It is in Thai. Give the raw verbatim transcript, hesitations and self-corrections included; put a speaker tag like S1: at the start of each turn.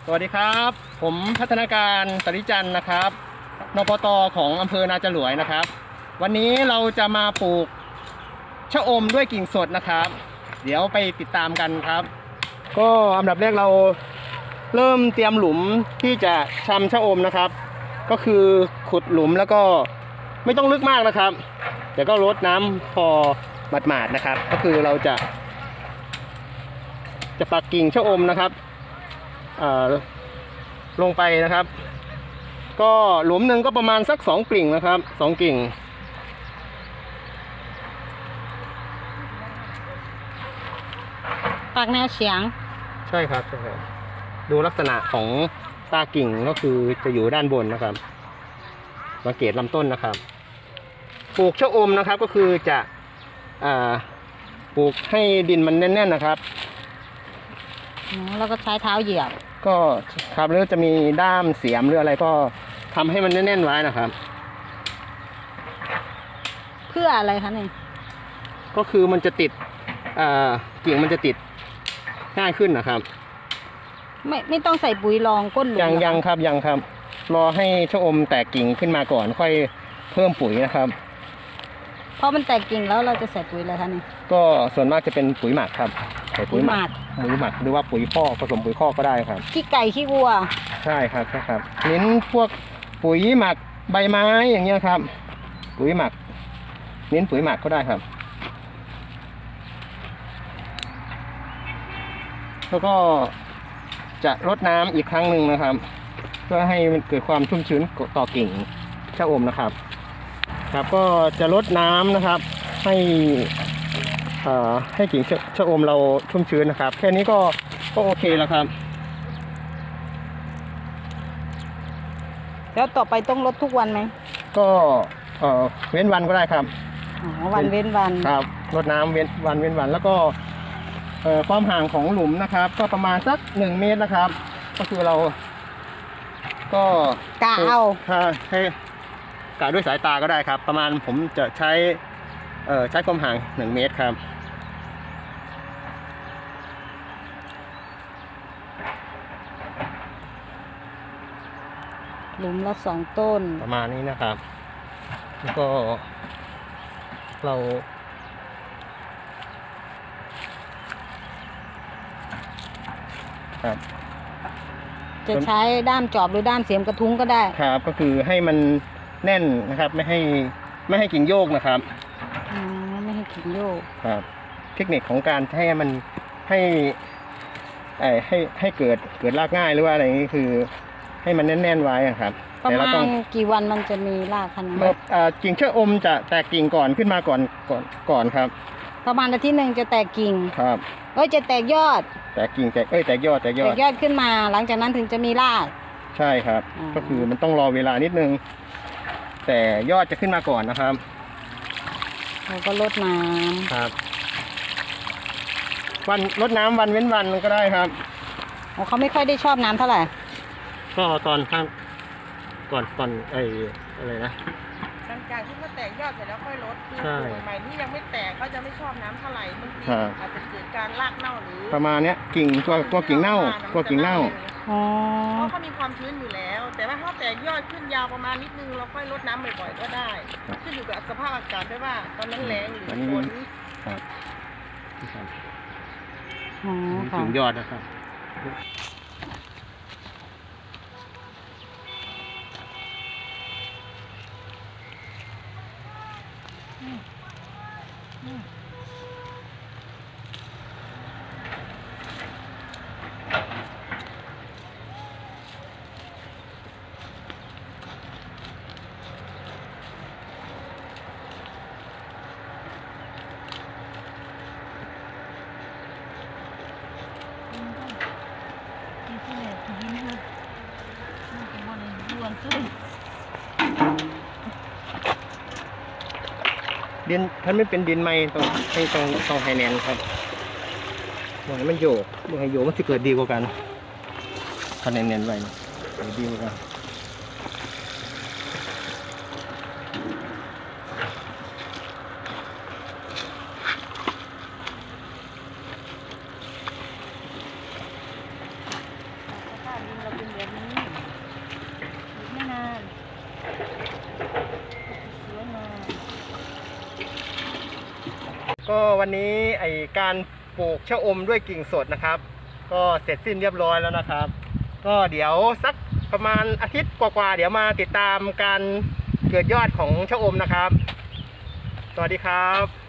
S1: สวัสดีครับผมพัฒนาการสริจันทร์นะครับนปต.ของอำเภอนาจรวยนะครับวันนี้เราจะมาปลูกชะอมด้วยกิ่งสดนะครับเดี๋ยวไปติดตามกันครับก็อันดับแรกเราเริ่มเตรียมหลุมที่จะชำชะอมนะครับก็คือขุดหลุมแล้วก็ไม่ต้องลึกมากนะครับแต่ก็รดน้ำพอหมาดๆนะครับก็คือเราจะจะปักกิ่งชะอมนะครับลงไปนะครับก็หลุมหนึ่งก็ประมาณสักสองกิ่งนะครับสองกิ่ง
S2: ปักแนวเฉียง
S1: ใช่ครับใช่ครับดูลักษณะของตากิ่งก็คือจะอยู่ด้านบนนะครับสังเกตลำต้นนะครับปลูกชะอมนะครับก็คือจะปลูกให้ดินมันแน่นๆนะครับ
S2: แล้วก็ใช้เท้าเหยียบ
S1: ก็ครับแล้วจะมีด้ามเสียมหรืออะไรก็ทำให้มันแน่นๆไว้นะครับ
S2: เพื่ออะไรคะนี่
S1: ก็คือมันจะติดกิ่งมันจะติดง่ายขึ้นนะครับ
S2: ไม่ไม่ต้องใส่ปุ๋ยรองก้นหลุม
S1: ยังยังครับยังครับรอให้ชะอมแตกกิ่งขึ้นมาก่อนค่อยเพิ่มปุ๋ยนะครับ
S2: พอมันแตกกิ่งแล้วเราจะใส่ปุ๋ยอะไรคะนี่
S1: ก็ส่วนมากจะเป็นปุ๋ยหมักครับใส่ปุ๋ยหมักปุ๋ยหมักหรือว่าปุ๋ยคอกผสมปุ๋ยคอกก็ได้ครับ
S2: ขี้ไก่ขี้วัว
S1: ใช่ครับใช่ครับเน้นพวกปุ๋ยหมักใบไม้อย่างเงี้ยครับปุ๋ยหมักเน้นปุ๋ยหมักก็ได้ครับแล้วก็จะรดน้ำอีกครั้งหนึ่งนะครับเพื่อให้มันเกิดความชุ่มชื้นต่อกิ่งชะอมนะครับครับก็จะรดน้ำนะครับให้ให้กิ่งชะอมเราชุ่มชื้นนะครับแค่นี้ก็ก็โอเคแล้วครับ
S2: แล้วต่อไปต้องรดทุกวันไหม
S1: ก็เว้นวันก็ได้ครับ
S2: อ๋อวันเว้นวัน
S1: ครับรดน้ำเว้นวันเว้นวันแล้วก็ความห่างของหลุมนะครับก็ประมาณสักหนึ่งเมตรนะครับก็คือเราก็
S2: กะเอา
S1: ให้กะด้วยสายตาก็ได้ครับประมาณผมจะใช้เอ่อใช้ความห่างหนึ่งเมตรครับ
S2: หลุมละสองต้น
S1: ประมาณนี้นะครับแล้วก็เราครับ
S2: จะใช้ด้ามจอบหรือด้ามเสียมกระทุ้งก็ได้
S1: ครับก็คือให้มันแน่นนะครับไม่ให้ไม่ให้กิ่งโยกนะครับ
S2: อ๋อไม่ให้กิ่งโยก
S1: ครับเทคนิคของการให้มันให้ให้ให้เกิดเกิดรากง่ายหรือว่าอะไรนี้คือให้มันแน่นๆไว้ครับ
S2: ประมาณกี่วันมันจะมีรากขนาดนี้
S1: กิ่งชะอมจะแตกกิ่งก่อนขึ้นมาก่อนก่อนก่อนครับ
S2: ประมาณอาทิตย์หนึ่งจะแตกกิ่ง
S1: ครับ
S2: เอ้ยจะแตกยอด
S1: แตกกิ่งแตกเอ้ยแตกยอดแตกยอด
S2: แตกยอดขึ้นมาหลังจากนั้นถึงจะมีราก
S1: ใช่ครับก็คือมันต้องรอเวลานิดนึงแต่ยอดจะขึ้นมาก่อนนะครับ
S2: เราก็รดน้
S1: ำครับวันรดน้ำวันเว้นวันก็ได้ครับ
S2: อ๋อเขาไม่ค่อยได้ชอบน้ำเท่าไหร่
S1: ก็ตอนข้างก่อนก่อนไอ้อะไรนะ
S3: หลังจากที่เขาแตกยอดเสร็จแล้วค่อยลดคือใหม่ที่ยังไม่แตกเขาจะไม่ชอบน้ำเท่าไหร่บางทีอาจจะเกิดการรากเน่าหรือ
S1: ประมาณเนี้ยกิ่งตัวตัวกิ่งเน่าตัวกิ่งเน่า
S3: เพราะเขามีความชื้นอยู่แล้วแต่ว่าถ้าแตกยอดขึ้นยาวประมาณนิดนึงเราค่อยลดน้ำบ่อยๆก็ได้ขึ้นอยู่กับสภาพอากาศด้วยว่าตอนนั้นแรงหรือฝน
S1: ครับ
S2: อ๋อค่ะ
S1: กิ่งยอดนะครับดินถ้าไม่เป็นดินไม้ต้องให้ต้องต้องให้แน่นครับมองให้มันโยกมองให้โยกมันจะเกิดดีกว่ากันถ้าแน่นๆไว้ดีกว่ากัน
S3: ร
S1: ก็วันนี้ไอการปลูกชะอมด้วยกิ่งสดนะครับ ก็เสร็จสิ้นเรียบร้อยแล้วนะครับ ก็เดี๋ยวสักประมาณอาทิตย์กว่าๆเดี๋ยวมาติดตามการเกิดยอดของชะอมนะครับ สวัสดีครับ